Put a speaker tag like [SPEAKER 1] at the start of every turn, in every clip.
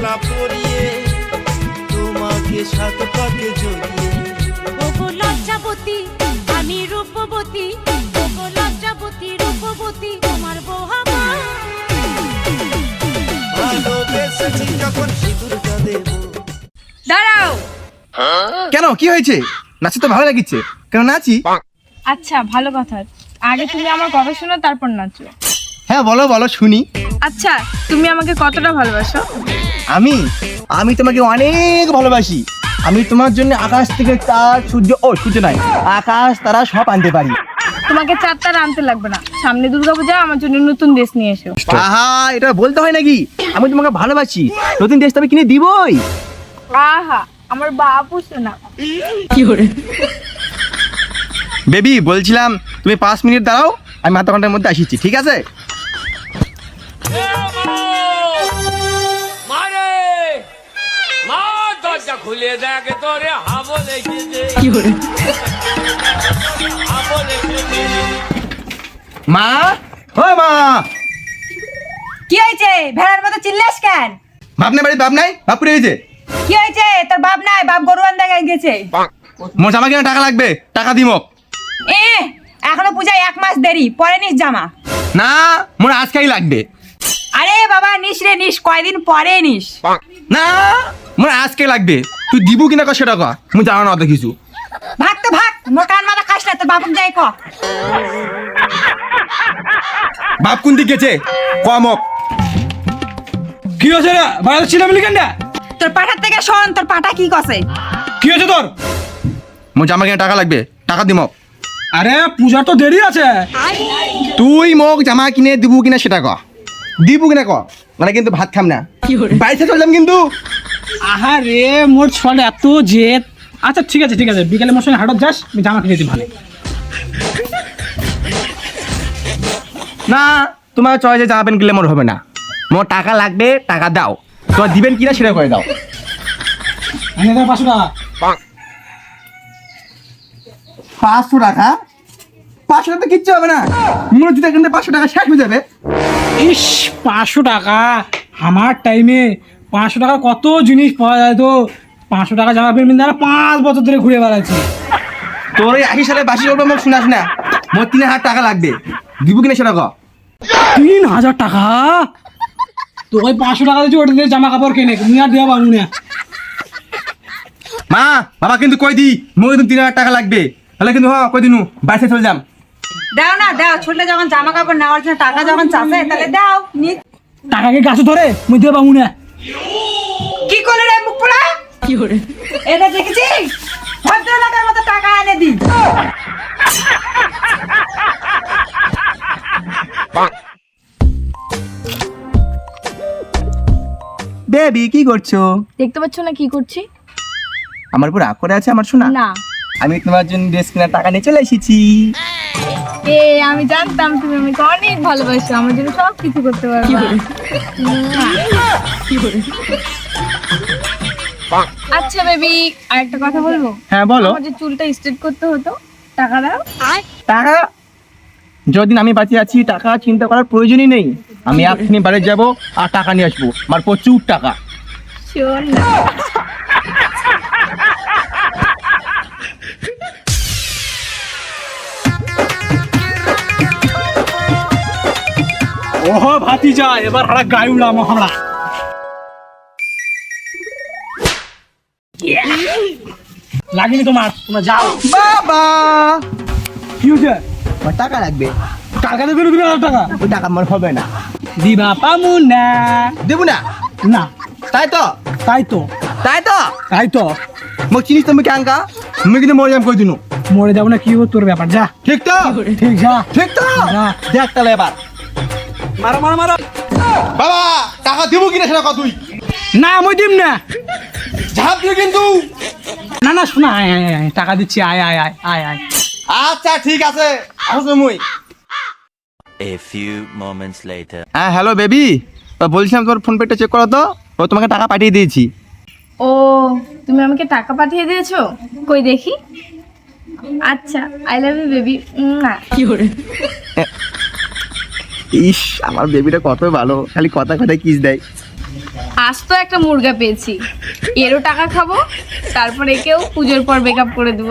[SPEAKER 1] না পরিয়ে তোমাকে সাত পাকে জড়িয়ে।
[SPEAKER 2] ওগো লজ্জাবতী আমি রূপবতী, ওগো লজ্জাবতী রূপবতী তোমার বউ হব।
[SPEAKER 1] ভালোবেসেছি যখন সিঁদুরটা দেব।
[SPEAKER 3] দাঁড়াও।
[SPEAKER 4] কেন কি হয়েছে? নাচি তো ভালো লাগিচ্ছে, কেন নাচি?
[SPEAKER 3] আচ্ছা ভালো কথা, আগে তুমি আমার কথা শোনো তারপর নাচো।
[SPEAKER 4] হ্যাঁ বলো বলো শুনি।
[SPEAKER 3] আচ্ছা তুমি আমাকে কতটা ভালোবাসো?
[SPEAKER 4] আমি আমি তোমাকে অনেক ভালোবাসি। আমি তোমার জন্য আকাশ থেকে চাঁদ সূর্য নয়, আকাশ তারা সব আনতে পারি।
[SPEAKER 3] তোমাকে চারটা আনতে লাগবে না, সামনে দুর্গাপূজা আমার জন্য নতুন ড্রেস নিয়ে এসো।
[SPEAKER 4] আহা এটা বলতে হয় নাকি? আমি তোমাকে ভালোবাসি, নতুন ড্রেস তো আমি কিনে দিবই।
[SPEAKER 3] আহা আমার বাপু শোনা।
[SPEAKER 4] বেবি বলছিলাম তুমি 5 মিনিট দাঁড়াও, আমি আধা ঘন্টার মধ্যে আসিছি, ঠিক আছে?
[SPEAKER 5] খুলে দেখে তোরে হাবো লেগেছে।
[SPEAKER 4] মা ও মা,
[SPEAKER 6] কি হয়েছে? ভেড়ার মতো চিল্লাস কেন?
[SPEAKER 4] বাপ নাই বাড়ি, বাপ নাই, বাপ পুড়ে গেছে।
[SPEAKER 6] কি হয়েছে? তোর বাপ নাই, বাপ গরু আনতে গেছে।
[SPEAKER 4] মোর জামা কিনা টাকা লাগবে, টাকা দিমো।
[SPEAKER 6] এখনো পূজায় 1 মাস দেরি, পরে নিস জামা।
[SPEAKER 4] না মোর আজকেই লাগবে।
[SPEAKER 6] আরে বাবা নিস রে নিস, কয়দিন পরে নিস।
[SPEAKER 4] না মোর আজকে লাগবে, তুই দিবু কিনা ক সেটা কর, মুই জানো না অত কিছু।
[SPEAKER 6] ভাগ তো ভাগ, মোর কান মাথা খাস না, তোর বাপক যাই ক।
[SPEAKER 4] বাপ কোন দিকে গেছে কমক?
[SPEAKER 7] কি হয়েছে রে? বাইরে ছিলাম কেন?
[SPEAKER 6] তোর পাঠার থেকে শোন, তোর পাঠা কি কছে।
[SPEAKER 7] কি হয়েছে তোর?
[SPEAKER 4] মোর জামা কিনা টাকা লাগবে, টাকা দিমো।
[SPEAKER 7] আরে পূজা তো দেরি আছে।
[SPEAKER 4] তুই মোক জামা কিনে দিবু কিনা সেটা ক, দিবু কিনা ক, মানে কিন্তু ভাত খাম না, বাইরে চললাম কিন্তু।
[SPEAKER 7] আহা রে মোর ছড় এত জেদ। আচ্ছা ঠিক আছে ঠিক আছে, বিকালে মোর সঙ্গে হাটত যাস, আমি জামা কিনে দিই ভালো।
[SPEAKER 4] না তোমার চয়েসে জামা প্যান্ট কিনলে মোর হবে না, মোর টাকা লাগবে, টাকা দাও। তোমার দিবেন কিনা সেটা করে দাও।
[SPEAKER 7] আমি 500 টাকা।
[SPEAKER 4] 500 টাকা? 500 টাকা তো কিচ্ছু হবে না, মোর জুতা কিনতে 500 টাকা শেষ হয়ে যাবে।
[SPEAKER 7] ইস 500 টাকা আমার টাইমে 500 টাকার কত জিনিস পাওয়া যায় তো। 500 টাকা জামা প্যান্ট দ্বারা 5 বছর ধরে ঘুরে বেড়াচ্ছি।
[SPEAKER 4] তোর এই 80 সালে বাসি করবে মোক শোনাস না, মোর 3000 টাকা লাগবে, দিবু কিনা সেটা ক।
[SPEAKER 7] 3000 টাকা? তো ওই 500 টাকা দিচ্ছি, ওটা দিয়ে জামা কাপড় কিনে তুমি আর দেওয়া পাবো না।
[SPEAKER 4] মা বাবা কিন্তু কই দি, মোক কিন্তু 3000 টাকা লাগবে, তাহলে কিন্তু হ্যাঁ কই দিনু বাইরে চলে যাম।
[SPEAKER 6] দাও না দাও, ছোটলে যখন জামা কাপড় নেওয়ার জন্য টাকা যখন চাষে, তাহলে দাও নি।
[SPEAKER 7] টাকাকে গাছে ধরে মুই দেওয়া পাবো না।
[SPEAKER 6] কি করলে রে মুখ পোড়া? কি করে এটা দেখেছিস? ভদ্রলোকের মতো টাকা এনে দি।
[SPEAKER 4] বেবি কি করছো?
[SPEAKER 3] দেখতে পাচ্ছ না কি করছি?
[SPEAKER 4] আমার উপর রাগ করে আছে আমার শোনা?
[SPEAKER 3] না
[SPEAKER 4] আমি তোমার জন্য ড্রেস কেনার টাকা নিয়ে চলে এসেছি।
[SPEAKER 3] আমি জানতাম তুমি আমাকে অনেক ভালোবাসো, আমার জন্য সব কিছু করতে পারবে। আচ্ছা বেবি আরেকটা কথা বলবো?
[SPEAKER 4] হ্যাঁ বলো।
[SPEAKER 3] আমার যে চুলটা স্ট্রেট করতে হতো, টাকা দাও।
[SPEAKER 4] টাকা? যদিন আমি বাঁচিয়ে আছি টাকা চিন্তা করার প্রয়োজনই নেই। আমি এখনই বাড়ি যাবো আর টাকা নিয়ে আসবো, আমার প্রচুর টাকা।
[SPEAKER 3] শোন না
[SPEAKER 7] ওহো ভাতিজা, এবার হারা গায়ে উড়াম আমরা। লাগেনি তোমার, তোমরা যাও।
[SPEAKER 4] বাবা
[SPEAKER 7] কি হয়েছে?
[SPEAKER 4] আমার টাকা লাগবে।
[SPEAKER 7] টাকা দেবে 2000 টাকা?
[SPEAKER 4] ওই টাকা আমার হবে না,
[SPEAKER 7] দিবা পামু না।
[SPEAKER 4] দেবো না।
[SPEAKER 7] না
[SPEAKER 4] তাই তো,
[SPEAKER 7] তাই তো
[SPEAKER 4] তাই তো।
[SPEAKER 7] তাই তো
[SPEAKER 4] মোক চিনিস তুমি ক্যাঙ্কা, আমি কিন্তু মরে যাম কই দিনু।
[SPEAKER 7] মরে যাবো না, কি হবো তোর ব্যাপার, যা।
[SPEAKER 4] ঠিক তো?
[SPEAKER 7] ঠিক যা।
[SPEAKER 4] ঠিক তো?
[SPEAKER 7] না।
[SPEAKER 4] দেখ তাহলে এবার।
[SPEAKER 7] মারো মারো মারো।
[SPEAKER 4] বাবা টাকা দিব কিনা সেটা কত? তুই
[SPEAKER 7] না মই দিম না।
[SPEAKER 4] ঝাঁপ দিয়ে কিন্তু।
[SPEAKER 7] না না শোনা, আয় আয় আয়, টাকা দিচ্ছি, আয় আয় আয় আয় আয়।
[SPEAKER 4] আচ্ছা ঠিক আছে, আসো মুই।
[SPEAKER 8] A few moments later.
[SPEAKER 4] হ্যাঁ হ্যালো বেবি, বলছিলাম তোমার ফোন পেটা চেক করো তো, ও তোমাকে টাকা পাঠিয়ে দিয়েছি।
[SPEAKER 3] ও তুমি আমাকে টাকা পাঠিয়ে দিয়েছো, কই দেখি। আচ্ছা আই লাভ ইউ বেবি। না কি করে?
[SPEAKER 4] ইস আমার বেবিটা কত ভালো, খালি কথা কথায় কিস দেয়।
[SPEAKER 3] আজ তো একটা মুরগা পেয়েছি, এরও টাকা খাবো, তারপর একেও পুজোর পর মেকআপ করে দেবো।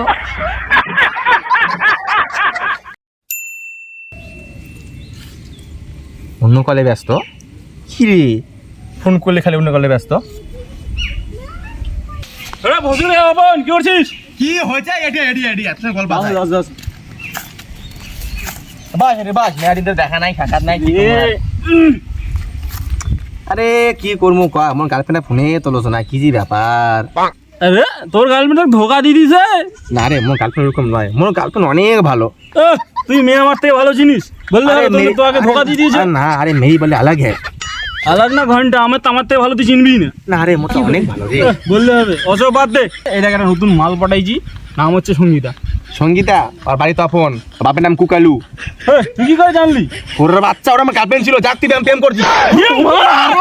[SPEAKER 4] অন্য কলে ব্যস্ত? কি রে, ফোন করলে খালি অন্য কলে ব্যস্ত?
[SPEAKER 7] বসুন বাবন, কি করছিস?
[SPEAKER 4] কি হয়েছে? এডি এডি এডি এত গল্প আছে। বাস রে বাস, মেয়াদিনদের দেখা নাই, সাক্ষাৎ নাই। কি আরে কি করবো ক, আমার গার্লফ্রেন্ড ফোনে তোলোছো না, কি যে ব্যাপার?
[SPEAKER 7] আরে তোর গার্লফ্রেন্ড ধোকা দিয়ে দিছে?
[SPEAKER 4] না রে, মোর গার্লফ্রেন্ড এরকম নয়, মোর গার্লফ্রেন্ড অনেক ভালো।
[SPEAKER 7] তুই মেয়ে আমার থেকে ভালো জিনিস বললে
[SPEAKER 4] আরে
[SPEAKER 7] তো আগে ধোকা দিয়ে দিয়েছে।
[SPEAKER 4] না আরে মেয়ে বলে আলাগ হ্যাঁ।
[SPEAKER 7] আলাদা না ঘন্টা, আমার তো আমার থেকে ভালো তুই চিনবি না।
[SPEAKER 4] না আরে মোর তো অনেক ভালো রে।
[SPEAKER 7] বললে হবে, অসব বাদ দে। এই দেখ একটা নতুন মাল পাঠাইছি, নাম হচ্ছে সঙ্গীতা।
[SPEAKER 4] সঙ্গীতা আর বাড়ি তো আপন, বাপের নাম কুকালু।
[SPEAKER 7] তুই কি করে জানলি?
[SPEAKER 4] ওর বাচ্চা ওরা আমার গার্লফ্রেন্ড ছিল, যাক তুই প্রেম করছি।